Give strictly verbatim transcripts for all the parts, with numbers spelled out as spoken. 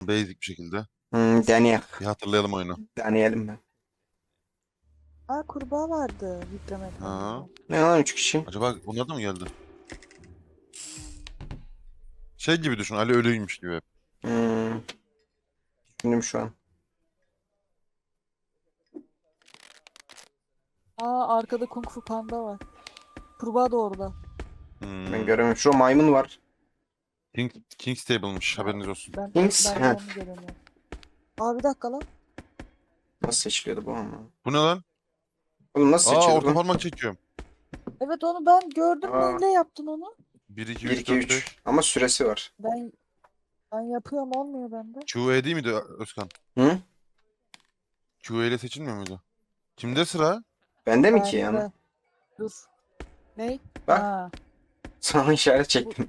basic bir şekilde. Hmm, deneyelim. Bir hatırlayalım oyunu. Deneyelim mi? Aa kurbağa vardı yükleme Ha. ekranında. Ne lan üç kişi? Acaba onlar da mı geldi? Şey gibi düşün. Ali ölüymüş gibi hep. Hmm, düşündüm şu an. Aa arkada Kung Fu Panda var. Kurbağa da orada. Hmm. Ben göremiyorum. Şu maymun var. King, King's Table'mış. Haberiniz olsun. Ben, Kings, ben de ha. onu göremiyorum. Aa bir dakika lan. Nasıl seçiliyordu bu ama? Bu ne lan? Oğlum nasıl Aa seçiyorduk orta lan? parmak çekiyorum. Evet onu ben gördüm. Aa. Neyle yaptın onu? bir, iki, bir, üç, iki, dört, üç. beş. Ama süresi var. Ben ben yapıyorum olmuyor bende. Q E değil miydi Özkan? Hı? Q E ile seçilmiyor muydu? Kimde sıra? Bende mi ki yani? Bende. Dur. Ney? Bak. Ha. Sana işaret çektim.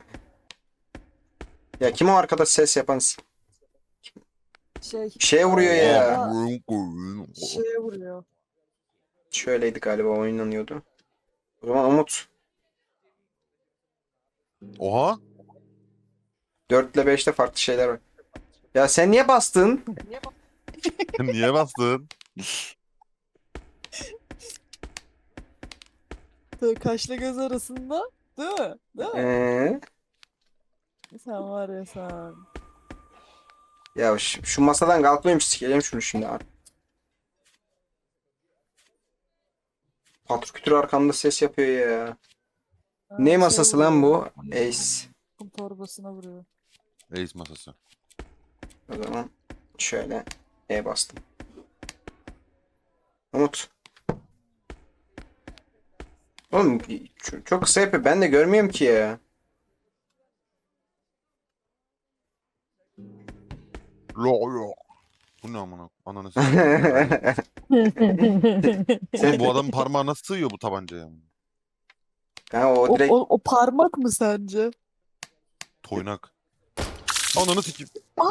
Ya kim o arkada ses yapan? s- Şey. Bir şeye vuruyor ya. Aa, şeye vuruyor. Şöyleydi galiba oynanıyordu. O zaman Umut. Oha. dört ile beşte farklı şeyler var. Ya sen niye bastın? Niye bastın? Tabii kaşla göz arasında. Değil mi? Değil mi? Ee, Sen var ya sen. ya şu, şu masadan kalkmayayım sikeceğim şunu şimdi abi. Patro kütür arkamda ses yapıyor ya. Ha, Ne şey masası lan vuruyor. bu? Ace. Kum torbasına vuruyor. Ace masası. O zaman şöyle E bastım. Umut. Oğlum ç- çok kısa yapıyor. Ben de görmüyorum ki ya. Lo lo. Bu ne amına? Ananı sikeyim. Oğlum bu adamın parmağı nasıl sığıyor bu tabancaya? Ha, o o, direkt o, o parmak mı sence? Toynak. Ananı sikeyim.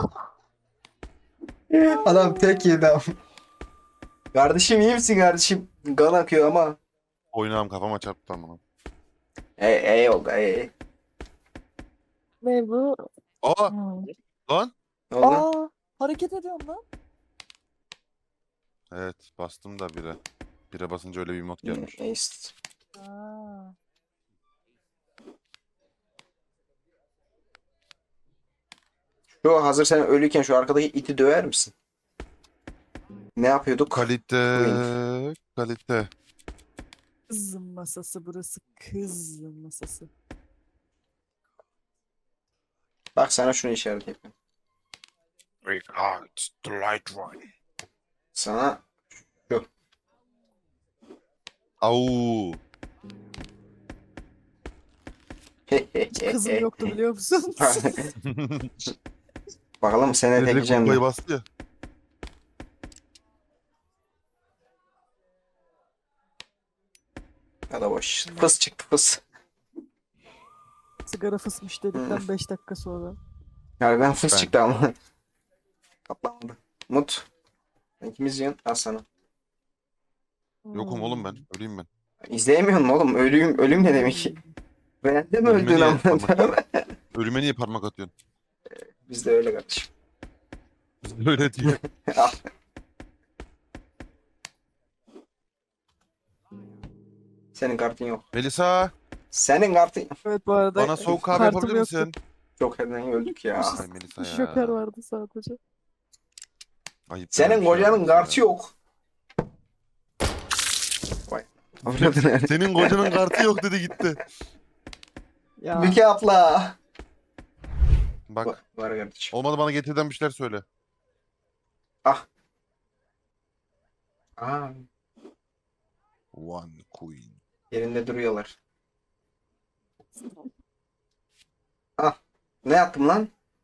adam tek yedi ama. Kardeşim iyi misin kardeşim? Kan akıyor ama. Oynağım kafama çarptı amına. E, e oldu e. Ne bu? Aa Hmm. lan. Ne oldu? Aa, hareket ediyorum lan. Evet bastım da bire. Bire basınca öyle bir mod gelmiş. Ace. Aa. Şu hazır sen ölüyken şu arkadaki iti döver misin? Ne yapıyorduk? Kalite. Queen. Kalite. Kız masası burası. Kız masası. Bak sana şunu işaret yapayım. It's the light one. Sana şu. Au. Hiç kızım yoktu biliyor musun? Bakalım seni Direkt tekeceğim kupayı mi? bastı ya. Ya da boş. Fıs çıktı fıs. Sigara fısmış dedikten beş dakika sonra. Harbiden fıs Ben. çıktı ama. Kapandı. Mut. İkimiz yiyorsun. Al sana. Yokum oğlum ben. Öleyim ben. İzleyemiyorum oğlum. Ölüyüm. Ölüm ne demek? Ben de mi Ölüme öldün niye ama? parmak- Ölüme niye parmak atıyorsun? Biz de öyle kardeşim. Öyle diyor. Al. Senin kartın yok. Melisa Senin kartın Evet bu arada bana soğuk kahve kartım yapabilir yoktu. misin? çok herden öldük ya. Ay Melisa Joker ya. vardı sadece. Ayıp Senin denen bir şey kocanın yapıyorsun kartı ya. yok. Vay. Avradın Senin kocanın kartı yok dedi gitti. Ya. Müke abla. Bak Var, var kardeşim. olmadı bana getirden bir şeyler söyle. Ah. Aa, One queen. yerinde duruyorlar. Ah. Ne yaptım lan?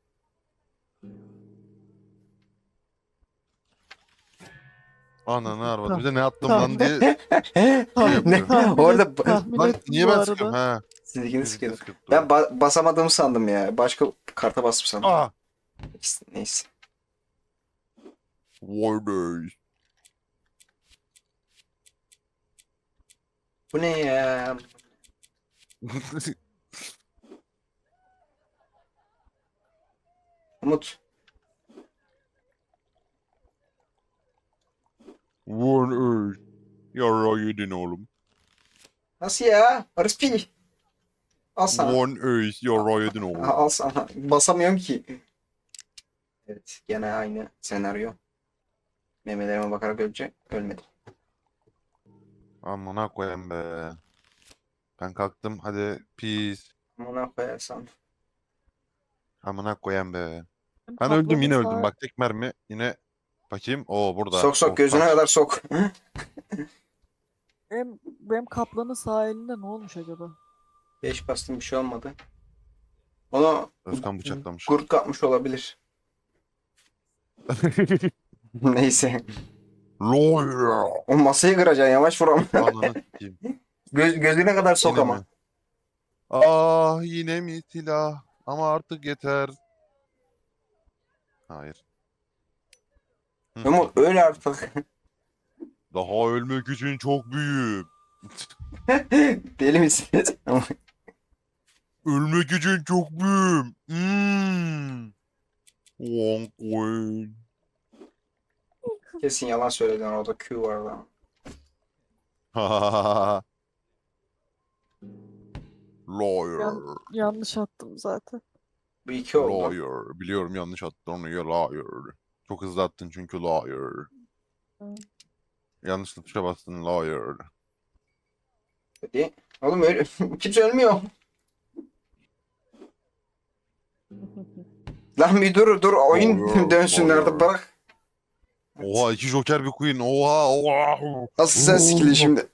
Ananı arvadı. Tamam. Bize ne attım Tamam. lan diye. ne? Tahmin Orada et- ba- tahmin Lan ettim niye bu ben arada. sıkıyorum ha? Sizlikini Birlikte sıkıyordum. sıkıp Ben duruyor. ba- basamadığımı sandım ya. Başka karta bastım sandım. Aa. Neyse. Neyse. Warner. Bu ne ya? Umut. Yara yedin oğlum. Nasıl ya? Barış P. Al sana. One ace yara yedin oğlum. Al sana. Basamıyorum ki. Evet. Gene aynı senaryo. Memelerime bakarak ölecek. Ölmedim. Amına koyayım be. Ben kalktım hadi peace. Amına koyarsam. Amına koyayım be. Ben Kaplanın öldüm yine öldüm sağ- bak tek mermi yine bakayım. Oo burada. Sok sok Oh, gözüne taş. kadar sok. Benim, benim kaplanın sağ elinde ne olmuş acaba? Beş bastım bir şey olmadı. Onu Özkan bıçaklamış. kurt kapmış olabilir. Neyse. Lawyer. O masayı kıracaksın yavaş vur ama. Ananı sikeyim. Göz, gözüne kadar sok Yine ama. mi? Ah yine mi silah? Ama artık yeter. Hayır. Hı. Ama öyle artık. Daha ölmek için çok büyüğüm. Deli misiniz? Ama Ölmek için çok büyüğüm. Hmm. One coin. kesin yalan söyledin, orada Q var lan. Lawyer. Yan- yanlış attım zaten. Bu iki oldu. Lawyer. Biliyorum yanlış attın onu ya lawyer. Çok hızlı attın çünkü lawyer. Hı. Yanlışlıkla tuşa bastın lawyer. Hadi. Oğlum öyle kimse ölmüyor. Lan bir dur dur oyun Doğru, dönsün doğru. artık bırak. Oha iki joker bir queen. Oha oha. Asıl sen sikili şimdi.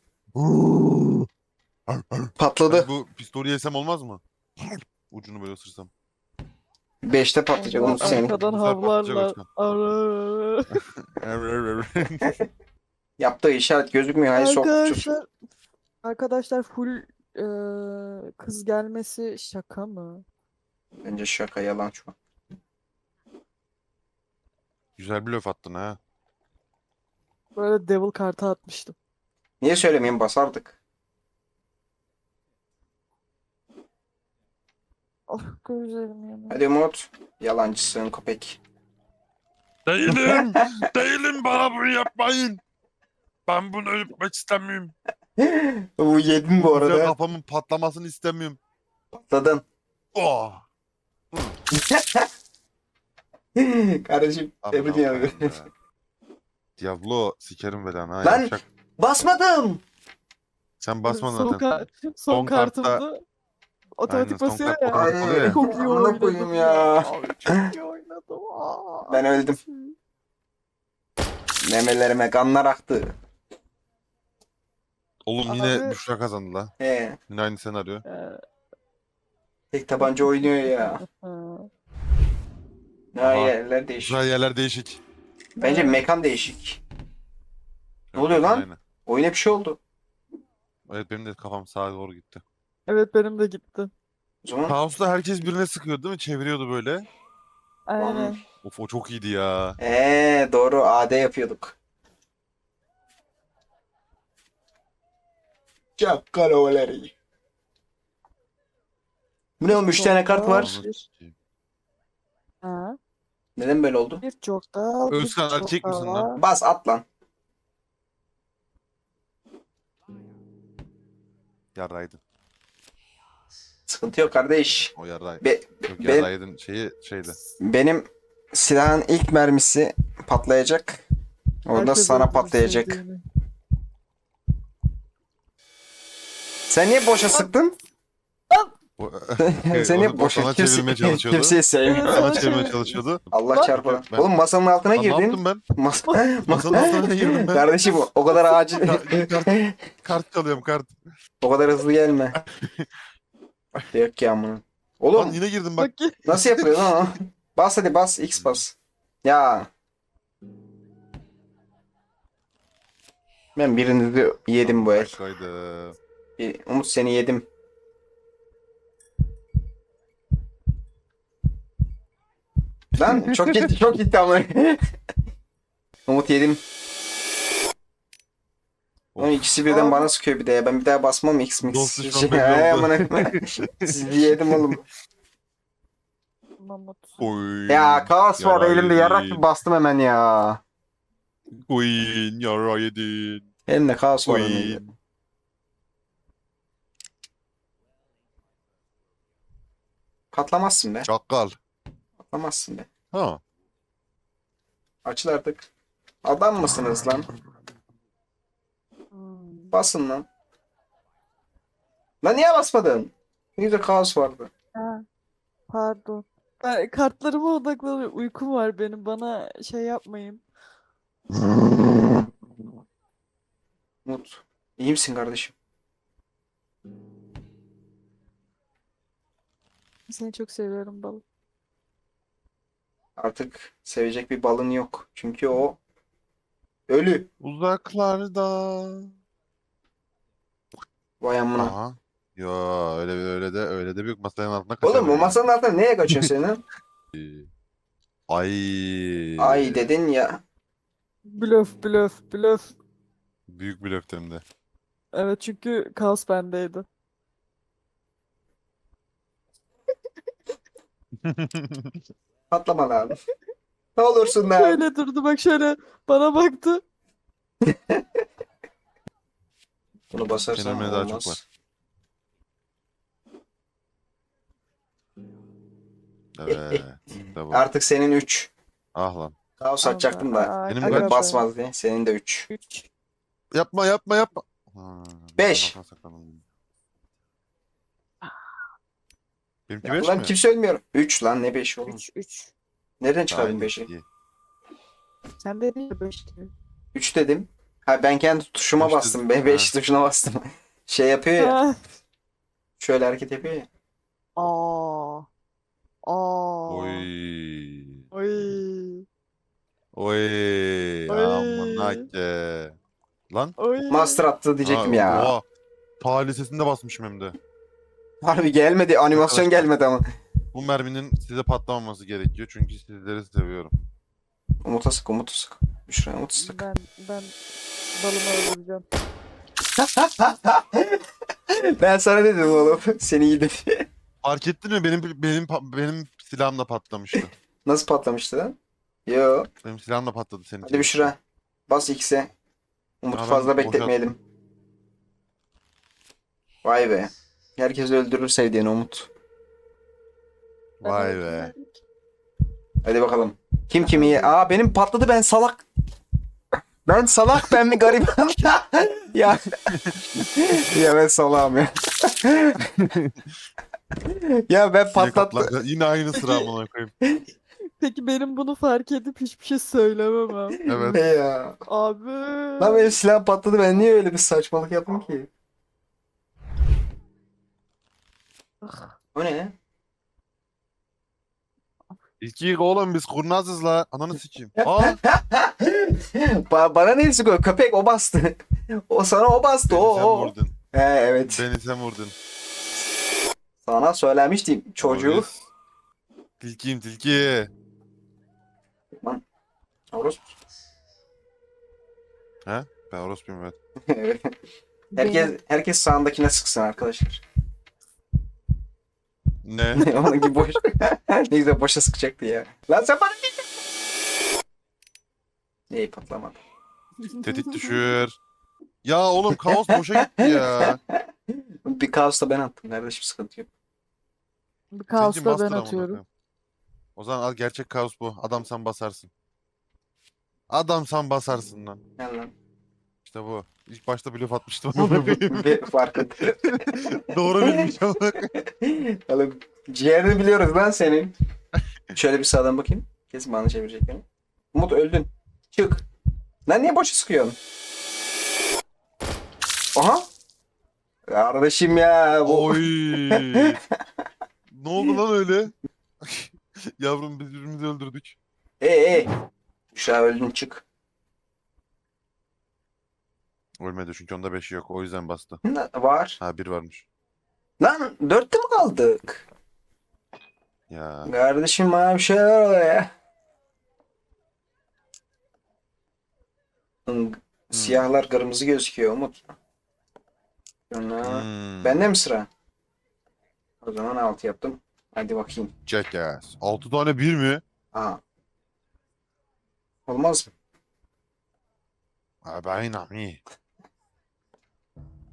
Patladı. Ben bu pistolü yesem olmaz mı? Ucunu böyle ısırsam. Beşte patlayacak Allah, Umut senin. arkadan Bu sefer patlayacak havlarlar. Özkan. Ara- Ev, ev, ev. Yaptığı işaret gözükmüyor. Hayır sok. sus. Arkadaşlar, arkadaşlar full e, kız gelmesi şaka mı? Bence şaka yalan şu an. Güzel bir löf attın ha. Böyle devil kartı atmıştım. Niye söylemeyeyim, basardık. Of gözlerim yanıyor. Hadi Umut. Yalancısın köpek. Değilim. Değilim bana bunu yapmayın. Ben bunu yapmak istemiyorum. Bu yedin bu Güzel arada. kafamın patlamasını istemiyorum. Patladın. Oh. Kardeşim tebrik Amına ederim. koyayım be. Diablo sikerim beden ha. Lan! Yapacak. Basmadım. Sen basma son, zaten. ka- son, Son kartta- kartımda otomatik Aynen, son basıyor kart ya. otomatik oluyor ya. Çok iyi Amına oynadım koyayım ya. ya. Abi çok iyi oynadım. Aa. Ben öldüm. Memelerime kanlar aktı. Oğlum yine Abi- Büşra kazandı la. He. Yine aynı senaryo. Ee, Tek tabanca oynuyor ya. ha. Ne Aha. yerler değişik. Büşra yerler değişik. Bence mekan değişik. Ne oluyor lan? Aynen. Oyuna bir şey oldu. Evet benim de kafam sağa doğru gitti. Evet benim de gitti. O zaman Kaos'ta herkes birine sıkıyordu değil mi? Çeviriyordu böyle. Aynen. Of o çok iyiydi ya. Eee doğru A D yapıyorduk. Çakkaloğulları. Bu ne oğlum, üç tane kart var. Ananı sikeyim. Ha. Neden böyle oldu? Bir çok daha. bir Özkan, çok erkek daha misin lan? var. Bas at lan. Yarraydın. Sıkıntı yok kardeş. O yarray. Be Yok ben- yarraydın şeyi şeydi. benim silahın ilk mermisi patlayacak. Orada Herkes sana öldürdü patlayacak. sevdiğini. Sen niye boşa sıktın? O- Sen niye Onu boşa sana kimse, çevirmeye çalışıyordu. kimseyi sevmiyor. Sana çevirmeye çalışıyordu. Allah Lan- çarpı. Ben- Oğlum masanın altına Lan ne girdin. yaptım ben? Mas Masanın altına girdim ben. Kardeşim o kadar acil. Kart- Kart çalıyorum kart. O kadar hızlı gelme. Yok ki amına. Lan Oğlum yine girdim bak. Bak ki- nasıl yapılıyor lan o? Bas hadi bas X bas. Ya. Ben birinizi yedim bu el. Kaydı. Bir- Umut seni yedim. Lan çok gitti çok gitti ama. Umut yedim. Ama ikisi birden Abi. bana sıkıyor bir de ya. Ben bir daha basmam X mix. Dost düşman Şey, belli ay, oldu. amına koyayım. Sizi yedim oğlum. Mamut. Oy. Ya kaos var Yara elimde yarak yedin. gibi bastım hemen ya. Queen yara yedin. Elimde kaos var. Oy. önümde. Patlamazsın be. Çakal. Patlamazsın be. Ha. Açıl artık. Adam mısınız lan? Hmm. Basın lan. Lan niye basmadın? Ne güzel kaos vardı. Ha, pardon. Ben kartlarıma odaklanıyorum. Uykum var benim. Bana şey yapmayın. Umut. İyi misin kardeşim? Seni çok seviyorum balık. Artık sevecek bir balın yok. Çünkü o ölü. Uzaklarda. Vay amına. Aha. Yo öyle öyle de öyle de büyük masanın altına Oğlum o kaçamıyorum. masanın altına neye kaçıyorsun senin? Ay. Ay dedin ya. Blöf, blöf, blöf. Büyük bir löftem de. Evet çünkü kaos bendeydi. Patlama lan. Ne olursun lan. Şöyle durdu bak şöyle bana baktı. Bunu basarsan Kelimeye daha çok olmaz. var. Evet. İşte bu. Artık senin üç. Ah lan. Kaos açacaktım da. Aa, Benim aga Evet kaç? be. basmaz diye. Senin de üç. Üç. Yapma yapma yapma. Ha, Beş. ben saklandım. Benimki Ya beş lan mi? kimse ölmüyor. üç lan ne beş oğlum. Üç, üç. Nereden çıkardın Aynen, beşi? iyi. Sen dedin ya beş diye. üç dedim. Ha ben kendi tuşuma Beş bastım. dedim, be beş ha. tuşuna bastım. Şey yapıyor ya. Ha. Şöyle hareket yapıyor ya. Aa. Aa. Oy. Oy. Oy. Oy. Aman hakke. Lan. Oy. Master attı diyecektim Ha, ya. oha. Ta lisesinde basmışım hem de. Harbi gelmedi. Animasyon Arkadaşlar. gelmedi ama. Bu merminin size patlamaması gerekiyor. Çünkü sizleri seviyorum. Umut'a sık, Umut'a sık. Büşra Umut'a sık. Ben ben balımı öldüreceğim. Ben sana dedim oğlum. Seni yedim diye. Fark ettin mi? Benim benim pa- benim silahım da patlamıştı. Nasıl patlamıştı lan? Yo. Benim silahım da patladı senin Hadi için. Büşra. Bas X'e. Umut'u Ya ben fazla boşalttım. bekletmeyelim. Vay be. Herkes öldürür sevdiğini Umut. Ben Vay be. öldürmedim ki. Hadi bakalım. Kim kimi ye? Aa benim patladı ben salak. Ben salak ben mi gariban? ya. ya ben salağım ya. ya ben Yine, patlattım. katla- yine aynı sıra amına koyayım. Peki benim bunu fark edip hiçbir şey söylememem. Evet. Ne ya? Abi. Lan benim silah patladı ben niye öyle bir saçmalık yaptım ki? Ah, O ne? İlk oğlum biz kurnazız la. Ananı sikeyim. Aa. ba bana ne sıkıyor? Köpek o bastı. o sana o bastı. Beni O sen o. vurdun. He evet. Beni sen vurdun. Sana söylemiştim çocuğu. Polis. Tilkiyim tilki. Lan. Orospu. Ben orospuyum evet. herkes benim- herkes sağındakine sıksın arkadaşlar. Ne? Onun gibi boş. ne güzel boşa sıkacaktı ya. Lan sen bana neyi patlamadı. Tetik düşür. Ya oğlum kaos boşa gitti ya. Bir kaos da ben attım. Kardeşim sıkıntı yok. Bir Seninki kaosla master ben amına atıyorum. koyayım. O zaman al gerçek kaos bu. Adam sen basarsın. Adam sen basarsın lan. Gel lan. İşte bu. İlk başta blöf atmıştım amına koyayım. Bir farkında. Doğru bilmiş amına koyayım. Oğlum ciğerini biliyoruz lan senin. Şöyle bir sağdan bakayım. Kesin bana çevirecek beni. Umut öldün. Çık. Lan niye boşa sıkıyorsun? Aha. Kardeşim ya. Bu... Oy. Ne oldu lan öyle? Yavrum biz birbirimizi öldürdük. Ee, ee. Şu an öldün çık. Ölmedi çünkü onda beşi yok. O yüzden bastı. Ne var? Ha bir varmış. Lan dörtte mi kaldık? Ya. Kardeşim bana bir şeyler oluyor ya. Hmm, Siyahlar kırmızı gözüküyor Umut. Sonra... Hmm. Bende mi sıra? O zaman altı yaptım. Hadi bakayım. Jackass. altı tane bir mi? Aha. Olmaz mı? Ha ben ami.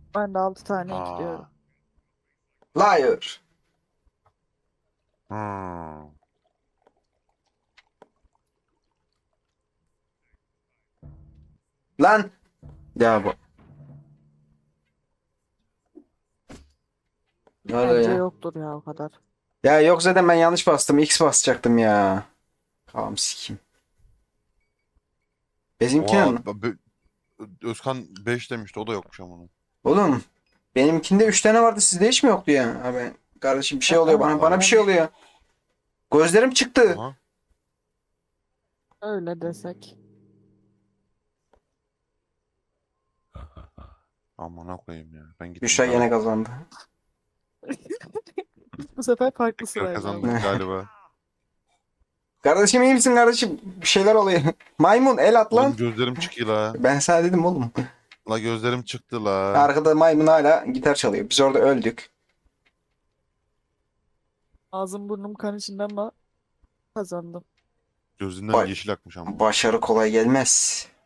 Ben de altı tane Aa. ekliyorum. Liar. Hmm. Lan. Ya bu. Ne oluyor Bence ya? yoktur ya o kadar. Ya yok zaten ben yanlış bastım. X basacaktım ya. Tamam sikeyim. Bizimkine Oha, mi? be- Özkan beş demişti, o da yokmuş ama. Oğlum benimkinde üç tane vardı, sizde hiç mi yoktu ya? Abi kardeşim bir şey oluyor Aa, bana. Bana bir Hayır. şey oluyor. Gözlerim çıktı. Aha. öyle desek. Amına koyayım ya. Ben gittim Büşra galiba. yine kazandı. Bu sefer farklı Tekrar sırayla kazandık ama. galiba. Kardeşim iyi misin kardeşim? Bir şeyler oluyor. Maymun el at Oğlum lan. gözlerim çıkıyor la. Ben sana dedim oğlum. La gözlerim çıktı la. Arkada maymun hala gitar çalıyor. Biz orada öldük. Ağzım burnum kan içinde ama kazandım. Gözünden Vay. yeşil akmış ama. Başarı kolay gelmez.